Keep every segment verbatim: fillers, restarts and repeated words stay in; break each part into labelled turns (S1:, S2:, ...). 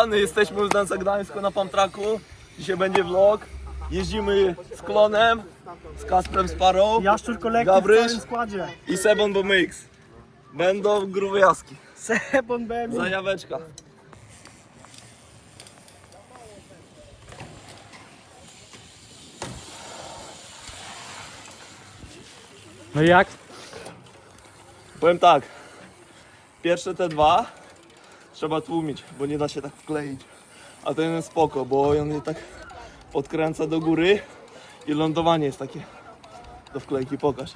S1: plany, jesteśmy już na Gdańsku na Pamtraku. Dzisiaj będzie vlog. Jeździmy z Klonem, z Kasprem Sparrow,
S2: Jaszczur Kolektyw w
S1: Gabryś
S2: całym składzie.
S1: i Sebon Bo Mix. Będą grube jaski.
S2: Sebon B M I.
S1: Zajaweczka.
S2: No i jak?
S1: Powiem tak, pierwsze te dwa trzeba tłumić, bo nie da się tak wkleić. A ten jest spoko, bo on je tak podkręca do góry i lądowanie jest takie do wklejki, pokaż.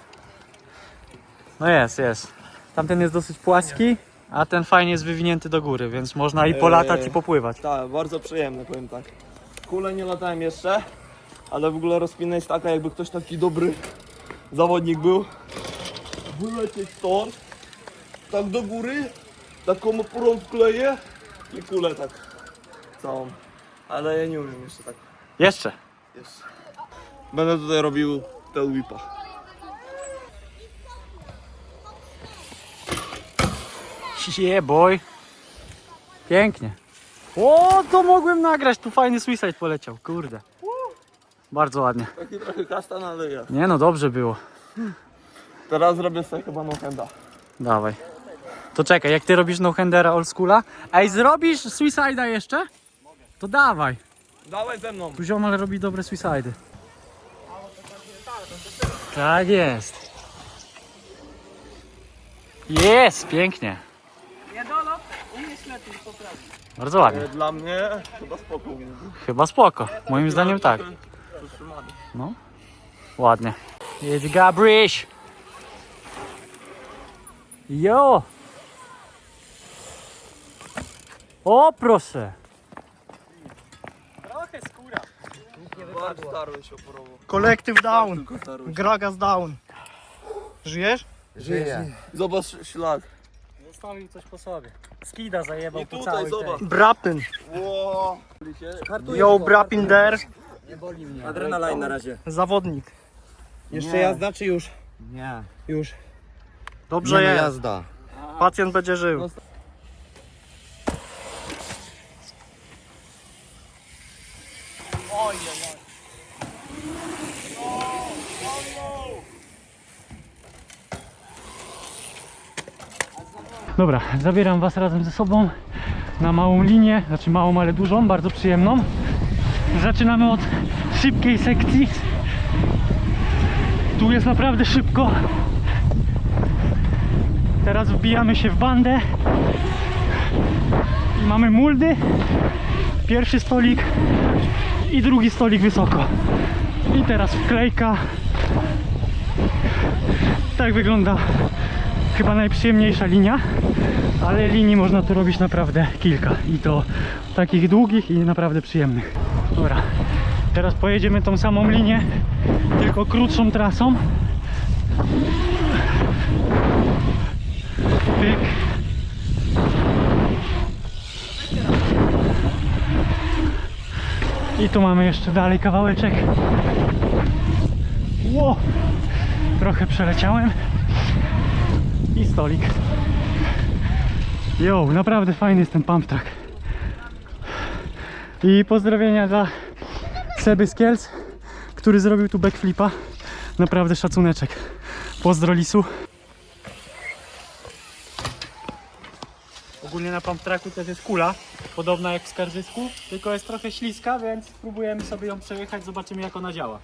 S2: No jest, jest. Tamten jest dosyć płaski, a ten fajnie jest wywinięty do góry, więc można i polatać
S1: Eee,
S2: i popływać.
S1: Tak, bardzo przyjemne, powiem tak. Kule nie latałem jeszcze, ale w ogóle rozkmina jest taka, jakby ktoś taki dobry zawodnik był. Wylecieć stąd, tak do góry, taką oporą wkleję i kulę tak całą. Ale ja nie umiem jeszcze tak.
S2: Jeszcze.
S1: Jeszcze. Będę tutaj robił tail whipa.
S2: Yeah boy. Pięknie. O, to mogłem nagrać, tu fajny suicide poleciał, kurde. Bardzo ładnie.
S1: Taki trochę kastan, ale ja.
S2: Nie no, dobrze było.
S1: Teraz zrobię sobie chyba no-handa.
S2: Dawaj. To czekaj, jak ty robisz no-handera old schoola, ej, zrobisz suicide'a jeszcze? To dawaj.
S1: Dawaj ze mną.
S2: Tu ziomal robi dobre suicide'y. Tak jest. Jest, pięknie. Bardzo ładnie.
S1: E, Dla mnie chyba spoko. u mnie.
S2: Chyba spoko. Moim zdaniem tak.
S1: Przytrzymany.
S2: No. Ładnie. Jedź Gabryś. Jo. O, proszę. Trochę skóra.
S1: Bardzo starły się oporowo.
S2: Kolektyw down.
S1: Tylko starły się.
S2: Gragas down. Żyjesz?
S1: Żyje. Zobacz ślad.
S2: Zostawił coś po sobie. Skida zajebał
S1: I
S2: po
S1: tutaj
S2: całej
S1: zobacz.
S2: tej. Brapin.
S1: Ło.
S2: Yo, Brapin der.
S3: Adrenalin na razie.
S2: Zawodnik.
S3: Jeszcze jazda czy już?
S4: Nie,
S3: Już.
S2: Dobrze
S4: nie no,
S2: jest.
S4: jazda.
S2: Pacjent będzie żył. Dobra, zabieram was razem ze sobą na małą linię, znaczy małą, ale dużą, bardzo przyjemną. Zaczynamy od szybkiej sekcji. Tu jest naprawdę szybko. Teraz wbijamy się w bandę i mamy muldy. Pierwszy stolik i drugi stolik wysoko. I teraz wklejka. Tak wygląda chyba najprzyjemniejsza linia, ale linii można tu robić naprawdę kilka i to takich długich i naprawdę przyjemnych. Dobra, teraz pojedziemy tą samą linię, tylko krótszą trasą. Pyk. I tu mamy jeszcze dalej kawałeczek. Ło! Trochę przeleciałem. I stolik. Jo, naprawdę fajny jest ten pump track. I pozdrowienia dla Seby z Kielc, który zrobił tu backflipa. Naprawdę szacuneczek. Pozdro Lisu. Ogólnie na pump tracku też jest kula, podobna jak w Skarżysku, tylko jest trochę śliska, więc spróbujemy sobie ją przejechać, zobaczymy jak ona działa.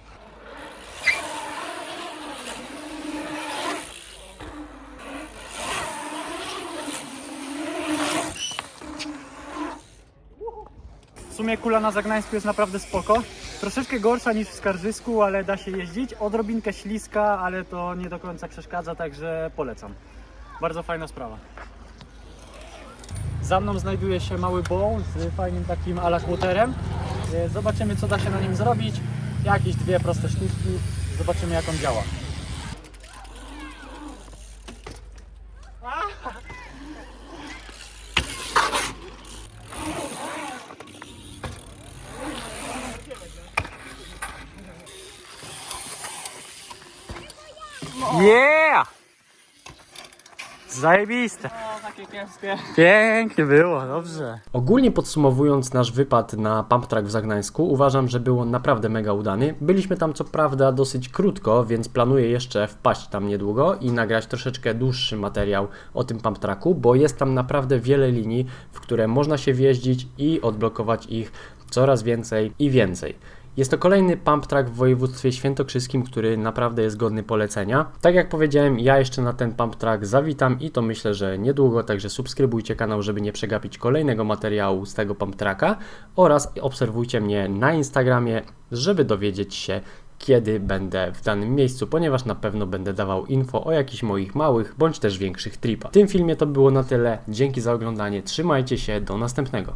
S2: W sumie kula na Zagnańsku jest naprawdę spoko. Troszeczkę gorsza niż w Skarżysku, ale da się jeździć. Odrobinkę śliska, ale to nie do końca przeszkadza, także polecam. Bardzo fajna sprawa. Za mną znajduje się mały bowl z fajnym takim alakłoterem. Zobaczymy co da się na nim zrobić. Jakieś dwie proste sztuczki. Zobaczymy jak on działa. Yeah! Zajebiste.
S3: Kiepskie, kiepskie.
S2: Pięknie było, dobrze.
S4: Ogólnie podsumowując nasz wypad na Pump Track w Zagnańsku, uważam, że był on naprawdę mega udany. Byliśmy tam co prawda dosyć krótko, więc planuję jeszcze wpaść tam niedługo i nagrać troszeczkę dłuższy materiał o tym Pump Tracku, bo jest tam naprawdę wiele linii, w które można się wjeździć i odblokować ich coraz więcej i więcej. Jest to kolejny pump track w województwie świętokrzyskim, który naprawdę jest godny polecenia. Tak jak powiedziałem, ja jeszcze na ten pump track zawitam i to myślę, że niedługo, także subskrybujcie kanał, żeby nie przegapić kolejnego materiału z tego pump tracka oraz obserwujcie mnie na Instagramie, żeby dowiedzieć się, kiedy będę w danym miejscu, ponieważ na pewno będę dawał info o jakichś moich małych bądź też większych tripach. W tym filmie to było na tyle. Dzięki za oglądanie, trzymajcie się, do następnego.